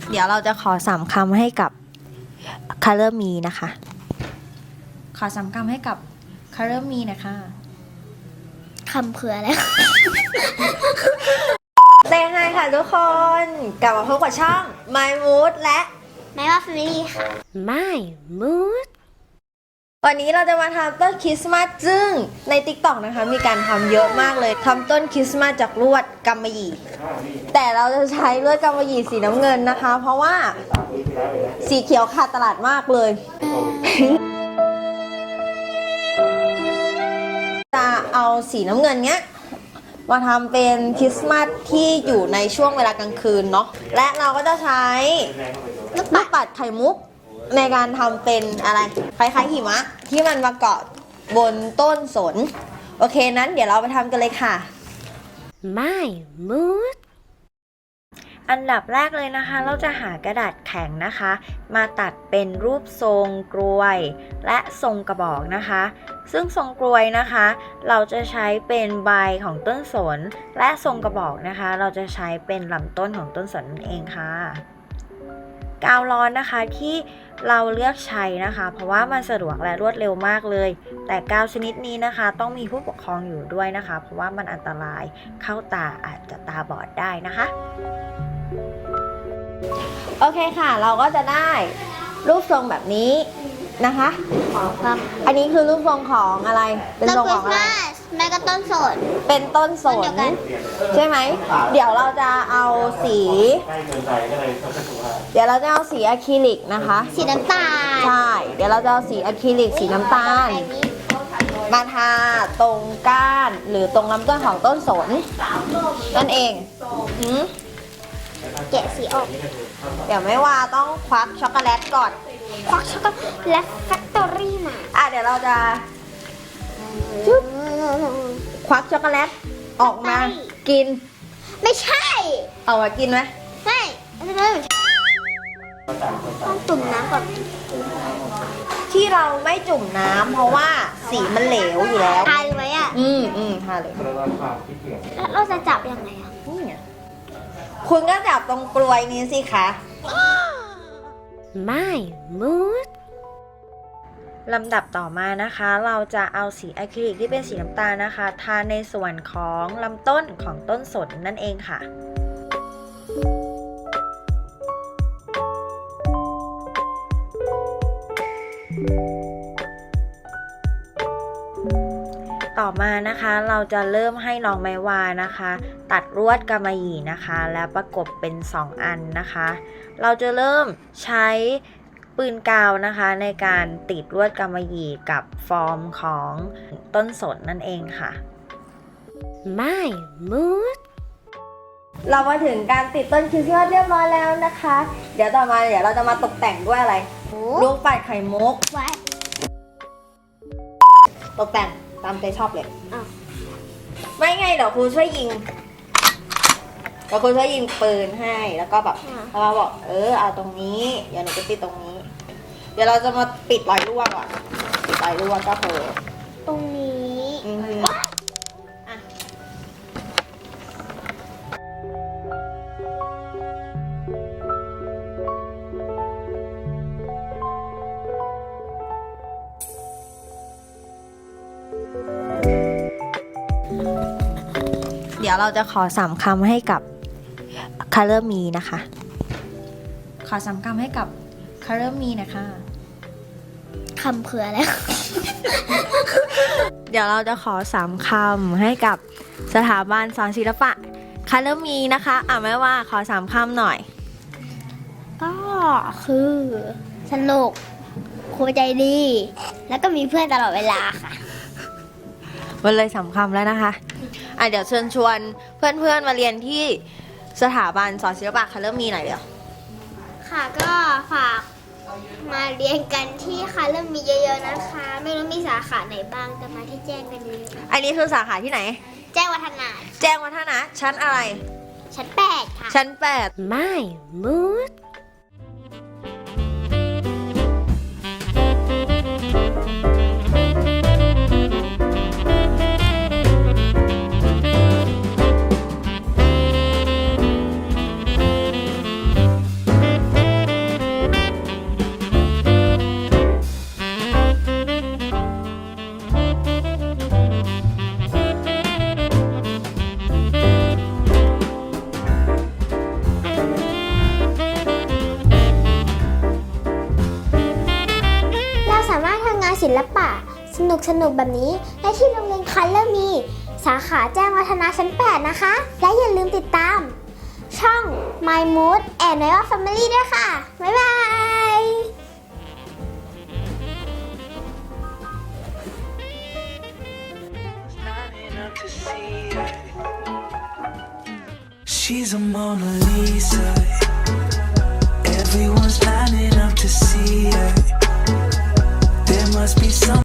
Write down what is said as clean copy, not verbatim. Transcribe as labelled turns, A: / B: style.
A: เดี๋ยวเราจะขอ3 คำให้กับ Color Me นะคะขอ3 คำให้กับ Color Me นะคะ
B: คำเผื่อแล้ว
A: เต้ให้ค่ะทุกคนกลับมาพบกับช่อง My Mood และ
B: ไม่ว่า Family ค่ะ
C: My Mood
A: วันนี้เราจะมาทำต้นคริสต์มาสซึ่งใน TikTok นะคะมีการทำเยอะมากเลยทำต้นคริสต์มาสจากลวดกำมะหยี่แต่เราจะใช้ลวดกำมะหยี่สีน้ำเงินนะคะ เพราะว่าสีเขียวขาดตลาดมากเลยจะเอาสีน้ำเงินเนี้ยมาทำเป็นคริสต์มาสที่อยู่ในช่วงเวลากลางคืนเนาะและเราก็จะใช้ลูกปัดไข่มุกในการทำเป็นอะไรคล้ายๆหิมะที่มันมาเกาะบนต้นสนโอเคนั้นเดี๋ยวเราไปทำกันเลยค่ะ
C: My Mood
A: อันดับแรกเลยนะคะเราจะหากระดาษแข็งนะคะมาตัดเป็นรูปทรงกลวยและทรงกระบอกนะคะซึ่งทรงกลวยนะคะเราจะใช้เป็นใบของต้นสนและทรงกระบอกนะคะเราจะใช้เป็นลำต้นของต้นสนนั่นเองค่ะกาวร้อนนะคะที่เราเลือกใช้นะคะเพราะว่ามันสะดวกและรวดเร็วมากเลยแต่กาวชนิดนี้นะคะต้องมีผู้ปกครองอยู่ด้วยนะคะเพราะว่ามันอันตรายเข้าตาอาจจะตาบอดได้นะคะโอเคค่ะเราก็จะได้รูปทรงแบบนี้นะคะ
B: ครับ
A: อันนี้คือรูปทรงของอะไรเป็นทรงของอะไร
B: แม่ก็ต้นสน
A: เป็นต้นสนใช่ไหมเดี๋ยวเราจะเอาสีอะคริลิกนะคะ
B: สีน้ำตาล
A: ใช่เดี๋ยวเราจะเอาสีอะคริลิกสีน้ำตาลมาทาตรงก้านหรือตรงลำต้นของต้นสนนั่นเอง
B: แกะสีออก
A: เดี๋ยวไม่ว่าต้องควักช็อกโกแลตก่อน
B: ควักช็อกโกแลตแฟคทอรี่มา
A: เดี๋ยวเราจะควักช็อกโกแลตออกมากิน
B: ไม่ใช่
A: เอามากินไหม
B: ไม่ต้องจุ่มน้ำก่อน
A: ที่เราไม่จุ่มน้ำเพราะว่าสีมันเหลวอยู่แล้ว
B: ทาเลยไหม
A: ทาเลย
B: แล้วเราจะจับยังไง
A: คุณก็จับตรงกลวยนี้สิคะ
C: My Mood
A: ลำดับต่อมานะคะเราจะเอาสีอะคริลิกที่เป็นสีน้ำตาลนะคะทาในส่วนของลำต้นของต้นสนนั่นเองค่ะต่อมานะคะเราจะเริ่มให้น้องไม้วานะคะตัดลวดกำมะหยี่นะคะแล้วประกบเป็น2 อันนะคะเราจะเริ่มใช้ปืนกาวนะคะในการติดลวดกำมะหยี่กับฟอร์มของต้นสนนั่นเองค่ะ
C: My Mood
A: เรามาถึงการติดต้นคริสต์มาสเรียบร้อยแล้วนะคะเดี๋ยวต่อมาเราจะมาตกแต่งด้วยอะไรลูกปัดไข่มุกตกแต่งตามใจชอบเลยไม่ไงเดี๋ยวครูช่วยยิงปืนให้แล้วก็แบบเราบอกเอาตรงนี้เดี๋ยวหนูจะติดตรงนี้เดี๋ยวเราจะมาปิดรอยรั่วก่อนปิดรอยรั่วก็คือ
B: ตรงนี้
A: เดี๋ยวเราจะขอ3 คำให้กับ Color Me นะคะขอ3 คำให้กับ Color Me นะคะ
B: คำเผื่อแล้ว
A: เดี๋ยวเราจะขอ3 คำให้กับสถาบันสอนศิลปะ Color Me นะคะแม่ว่าขอ3 คำหน่อย
B: ก็คือสนุกครูใจดีแล้วก็มีเพื่อนตลอดเวลาค่ะ
A: มันเลย3 คำแล้วนะคะเดี๋ยวเชิญชวนเพื่อนๆมาเรียนที่สถาบันสอนศิลปะColor Meหน่อยเดี๋ยว
B: ค่ะก็ฝากมาเรียนกันที่Color Meเยอะๆนะคะไม่รู้มีสาขาไหนบ้างแต่มาที่แจ้งกันเยอะ
A: อันนี้คือสาขาที่ไหน
B: แจ้งวัฒนะ
A: ชั้นอะไร
B: ชั้น8ค่ะ
A: ชั้น8
C: My Mood
B: ลปะสนุกแบบนี้ได้ที่โรงเรียนคัลเลอร์มีสาขาแจ้งวัฒนะชั้น 8 นะคะ และอย่าลืมติดตามช่อง My Mood and Royal Family ด้วยค่ะ บ๊ายบาย
D: She's a Mona Lisa. Everyone's lining up to see her. There must be some